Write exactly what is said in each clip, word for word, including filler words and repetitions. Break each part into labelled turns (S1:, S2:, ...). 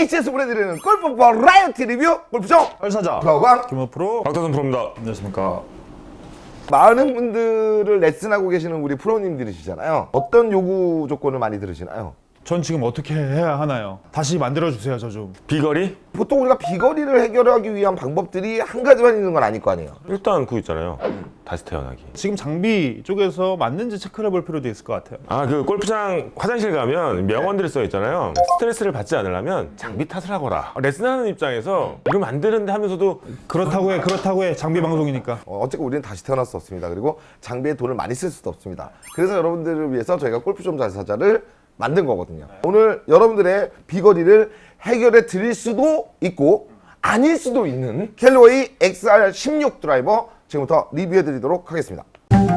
S1: 에이치에스 보내드리는 골프 버라이어티 리뷰 골프쇼
S2: 얼사자
S1: 프로광
S2: 김호 프로
S3: 박다선 프로입니다.
S2: 안녕하십니까.
S1: 많은 분들을 레슨하고 계시는 우리 프로님들이시잖아요. 어떤 요구 조건을 많이 들으시나요?
S2: 전 지금 어떻게 해야 하나요? 다시 만들어주세요. 저 좀.
S3: 비거리?
S1: 보통 우리가 비거리를 해결하기 위한 방법들이 한 가지만 있는 건 아닐 거 아니에요.
S3: 일단 그거 있잖아요. 다시 태어나기.
S2: 지금 장비 쪽에서 맞는지 체크를 해볼 필요도 있을 것 같아요.
S3: 아, 그 골프장 화장실 가면 명언들이 써 있잖아요. 스트레스를 받지 않으려면 장비 탓을 하거라. 레슨하는 입장에서 이러면 안 되는데 하면서도
S2: 그렇다고 해, 그렇다고 해. 장비 방송이니까.
S1: 어, 어쨌든 우리는 다시 태어날 수 없습니다. 그리고 장비에 돈을 많이 쓸 수도 없습니다. 그래서 여러분들을 위해서 저희가 골프 좀 자사자를 만든 거거든요. 오늘 여러분들의 비거리를 해결해 드릴 수도 있고 아닐 수도 있는 캘리워이 엑스알 십육 드라이버 지금부터 리뷰해 드리도록 하겠습니다.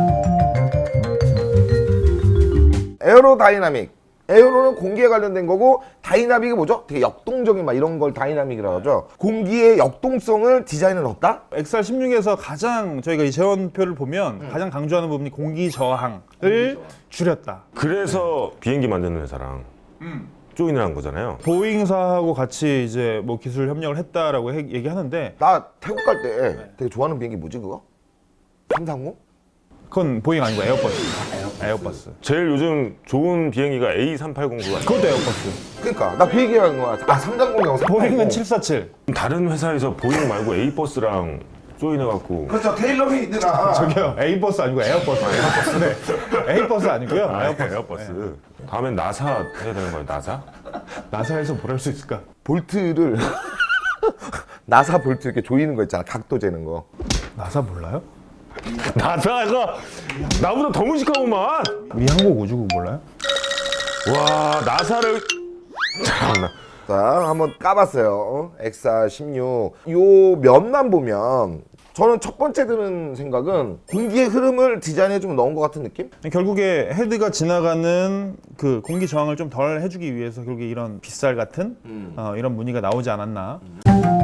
S1: 에어로다이나믹. 에어로는 공기에 관련된 거고 다이나믹이 뭐죠? 되게 역동적인 막 이런 걸 다이나믹이라고 하죠. 공기의 역동성을 디자인에 넣었다?
S2: 엑스알 십육에서 가장 저희가 이 재원표를 보면 음. 가장 강조하는 부분이 공기 저항을 공기 저항. 줄였다.
S3: 그래서 비행기 만드는 회사랑 음. 조인을 한 거잖아요.
S2: 보잉사하고 같이 이제 뭐 기술 협력을 했다라고 해, 얘기하는데
S1: 나 태국 갈 때 되게 좋아하는 비행기 뭐지 그거? 삼삼공?
S2: 그건 보잉 아니고 에어버스. 에어버스.
S3: 제일 요즘 좋은 비행기가 에이 삼팔공구가
S2: 그것도 에어버스.
S1: 그러니까 나 그 얘기하는 거야. 아 삼삼공이랑
S2: 보잉은 칠사칠.
S3: 다른 회사에서 보잉 말고 에이버스랑 조인해갖고
S1: 그렇죠. 테일러메이드가
S2: 저기요, A버스 아니고 에어버스. 에어버스. 네. A버스 아니고요.
S3: 아,
S2: 에어버스.
S3: 에어버스. 네. 다음엔 나사 해야 되는 거예요. 나사?
S2: 나사에서 뭘 할 수 있을까?
S1: 볼트를 나사 볼트 이렇게 조이는 거 있잖아. 각도 재는 거.
S2: 나사 몰라요?
S3: 나사가 나보다 더 무식하구만.
S2: 우리 한국 우주국 몰라요?
S3: 와, 나사를 참나.
S1: 자, 한번 까봤어요. 엑스알 십육. 요 면만 보면 저는 첫 번째 드는 생각은 공기의 흐름을 디자인에 좀 넣은 것 같은 느낌?
S2: 결국에 헤드가 지나가는 그 공기 저항을 좀 덜 해주기 위해서 결국에 이런 빗살 같은 음. 어, 이런 무늬가 나오지 않았나. 음.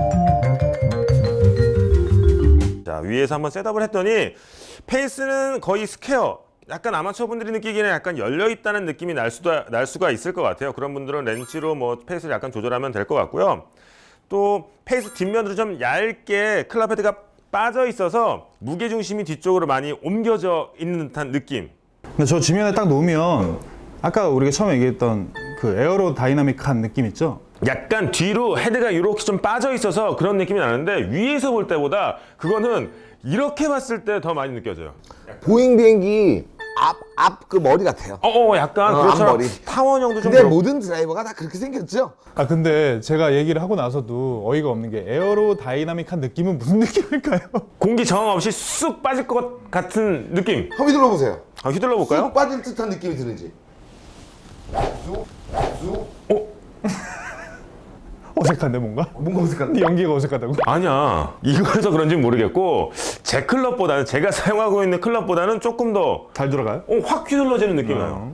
S3: 자, 위에서 한번 셋업을 했더니 페이스는 거의 스퀘어. 약간 아마추어 분들이 느끼기에는 약간 열려 있다는 느낌이 날 수도 날 수가 있을 것 같아요. 그런 분들은 렌치로 뭐 페이스를 약간 조절하면 될 것 같고요. 또 페이스 뒷면으로 좀 얇게 클럽 헤드가 빠져 있어서 무게 중심이 뒤쪽으로 많이 옮겨져 있는 듯한 느낌.
S2: 근데 저 지면에 딱 놓으면 아까 우리가 처음에 얘기했던 그 에어로 다이나믹한 느낌 있죠?
S3: 약간 뒤로 헤드가 이렇게 좀 빠져 있어서 그런 느낌이 나는데 위에서 볼 때보다 그거는 이렇게 봤을 때 더 많이 느껴져요.
S1: 보잉 비행기 앞, 앞 그 머리 같아요.
S3: 어, 어 약간
S1: 어,
S3: 그렇죠.
S1: 앞머리.
S3: 타원형도 좀
S1: 근데
S3: 그렇고.
S1: 모든 드라이버가 다 그렇게 생겼죠?
S2: 아 근데 제가 얘기를 하고 나서도 어이가 없는 게 에어로 다이나믹한 느낌은 무슨 느낌일까요?
S3: 공기 저항 없이 쑥 빠질 것 같은 느낌.
S1: 한번 휘둘러 보세요.
S3: 아, 휘둘러 볼까요?
S1: 쑥 빠질 듯한 느낌이 드는지. 쑥, 쑥.
S3: 어?
S2: 어색한데 뭔가?
S1: 뭔가 어색한데?
S2: 연기가 어색하다고?
S3: 아니야. 이거라서 그런지는 모르겠고 제 클럽보다는 제가 사용하고 있는 클럽보다는 조금 더
S2: 잘 들어가요?
S3: 어, 확 휘둘러지는 느낌이 나요.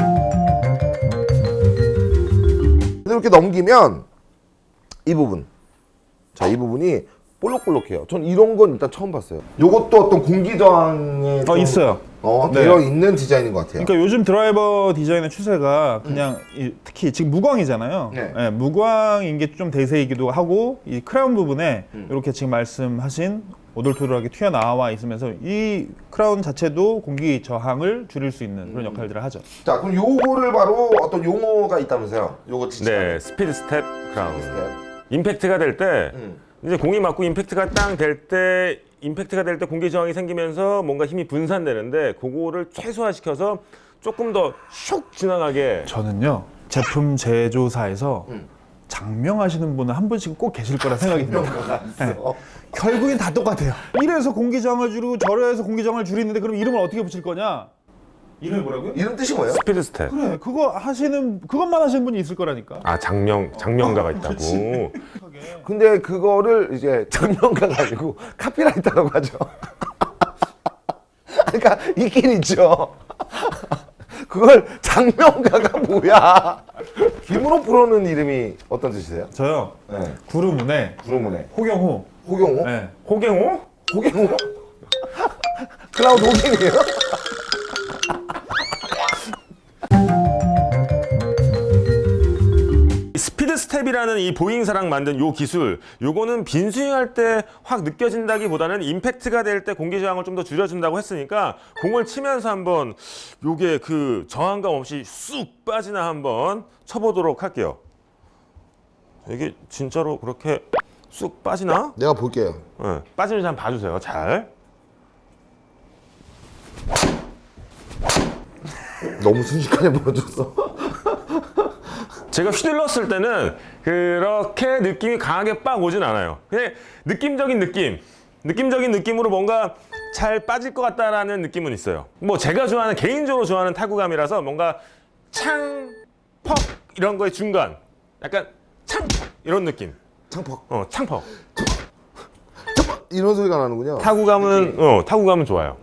S1: 이렇게 넘기면 이 부분. 자, 이 부분이 볼록볼록해요. 전 이런 건 일단 처음 봤어요. 요것도 어떤 공기 저항에
S2: 어
S1: 좀,
S2: 있어요.
S1: 어,
S2: 네.
S1: 되어 있는 디자인인 것 같아요.
S2: 그러니까 요즘 드라이버 디자인의 추세가 그냥 이, 특히 지금 무광이잖아요.
S1: 네.
S2: 네, 무광인 게 좀 대세이기도 하고 이 크라운 부분에
S1: 음.
S2: 이렇게 지금 말씀하신 오돌토돌하게 튀어나와 있으면서 이 크라운 자체도 공기 저항을 줄일 수 있는 그런 역할들을 하죠.
S1: 자, 그럼 요거를 바로 어떤 용어가 있다면서요? 요거 진짜.
S3: 네, 스피드 스텝 크라운.
S1: 네.
S3: 임팩트가 될 때
S1: 음.
S3: 이제 공이 맞고 임팩트가 땅 될 때 임팩트가 될 때 공기 저항이 생기면서 뭔가 힘이 분산되는데 그거를 최소화시켜서 조금 더 슉 지나가게.
S2: 저는요 제품 제조사에서
S1: 음.
S2: 장명하시는 분은 한 분씩 꼭 계실 거라 생각이 듭니다. 네.
S1: 있어.
S2: 결국엔 다 똑같아요. 이래서 공기 저항을 줄이고 저래서 공기 저항을 줄이는데 그럼 이름을 어떻게 붙일 거냐? 이름이 뭐라고요?
S1: 이름 뜻이 뭐예요?
S3: 스피드 스텝.
S2: 그래 그거 하시는 그것만 하시는 분이 있을 거라니까.
S3: 아, 장명 장명가가 있다고.
S1: 근데 그거를 이제 장면가 가지고 카피라이터라고 하죠. 그러니까 있긴 있죠. 그걸 장면가가 뭐야? 김은호 프로는 이름이 어떤 뜻이세요?
S2: 저요
S1: 네.
S2: 구루문에
S1: 구로문에
S2: 호경호.
S1: 호경호?
S2: 네.
S3: 호갱호?
S1: 호경호? 클라우드 호갱이에요?
S3: 스피드 스텝 스텝이라는 이 보잉사랑 만든 요 기술, 요거는 빈스윙할 때 확 느껴진다기보다는 임팩트가 될 때 공기 저항을 좀 더 줄여준다고 했으니까 공을 치면서 한번 요게 그 저항감 없이 쑥 빠지나 한번 쳐보도록 할게요. 이게 진짜로 그렇게 쑥 빠지나?
S1: 내가 볼게요.
S3: 네, 빠지는지 한번 봐주세요. 잘.
S1: 너무 순식간에 보여줬어.
S3: 제가 휘둘렀을 때는 그렇게 느낌이 강하게 빡 오진 않아요. 그냥 느낌적인 느낌, 느낌적인 느낌으로 뭔가 잘 빠질 것 같다라는 느낌은 있어요. 뭐 제가 좋아하는, 개인적으로 좋아하는 타구감이라서 뭔가 창, 퍽 이런 거의 중간, 약간 창, 이런 느낌.
S1: 창퍽.
S3: 어, 창퍽.
S1: 이런 소리가 나는군요.
S3: 타구감은 어, 타구감은 좋아요.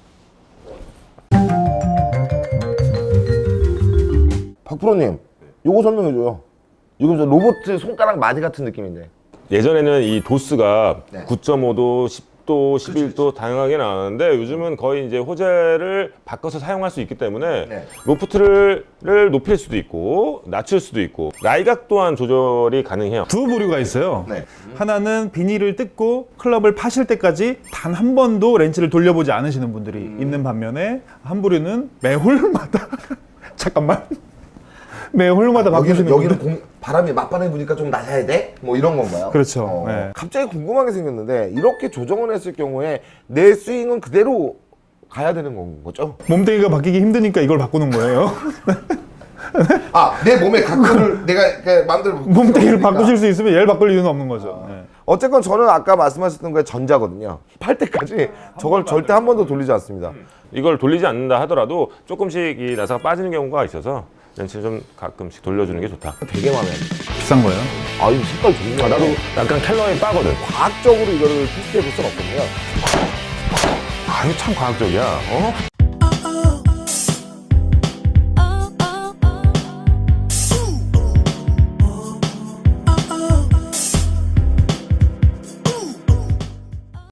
S1: 박프로님, 요거 설명해줘요. 이거 저 로봇 손가락 마디 같은 느낌인데.
S3: 예전에는 이 도수가
S1: 네.
S3: 구 점 오 도, 십 도, 십일 도 다양하게 나왔는데 요즘은 거의 이제 호재를 바꿔서 사용할 수 있기 때문에
S1: 네.
S3: 로프트를 를 높일 수도 있고 낮출 수도 있고 라이각 또한 조절이 가능해요.
S2: 두 부류가 있어요.
S1: 네.
S2: 하나는 비닐을 뜯고 클럽을 파실 때까지 단 한 번도 렌치를 돌려보지 않으시는 분들이 있는 반면에 한 부류는 매 홀마다 잠깐만 매 홀마다
S1: 여기는,
S2: 바꾸시는
S1: 여기는
S2: 분들.
S1: 공, 바람이 맞바람이 부니까 좀 낮아야 돼? 뭐 이런 건가요?
S2: 그렇죠.
S1: 어.
S2: 네.
S1: 갑자기 궁금한 게 생겼는데 이렇게 조정을 했을 경우에 내 스윙은 그대로 가야 되는 건 거죠?
S2: 몸뚱이가 바뀌기 힘드니까 이걸 바꾸는 거예요.
S1: 아, 내 몸의 각도를 내가 그냥 마음대로 바꿀 수가
S2: 몸뚱이를
S1: 없으니까.
S2: 바꾸실 수 있으면 얘를 바꿀 이유는 없는 거죠. 네.
S1: 어쨌건 저는 아까 말씀하셨던 거에 전자거든요. 팔 때까지 저걸 절대 한 번도 돌리지 않습니다.
S3: 이걸 돌리지 않는다 하더라도 조금씩 이 나사가 빠지는 경우가 있어서 렌치를 좀 가끔씩 돌려주는 게 좋다.
S1: 되게 마음에 안 들어요.
S2: 비싼 거예요.
S1: 아, 이거 색깔 좋네.
S3: 아, 나도 약간 캘러에 빠거든.
S1: 과학적으로 이거를 테스트해 볼 수는 없거든요.
S3: 아, 이거 참 과학적이야. 어?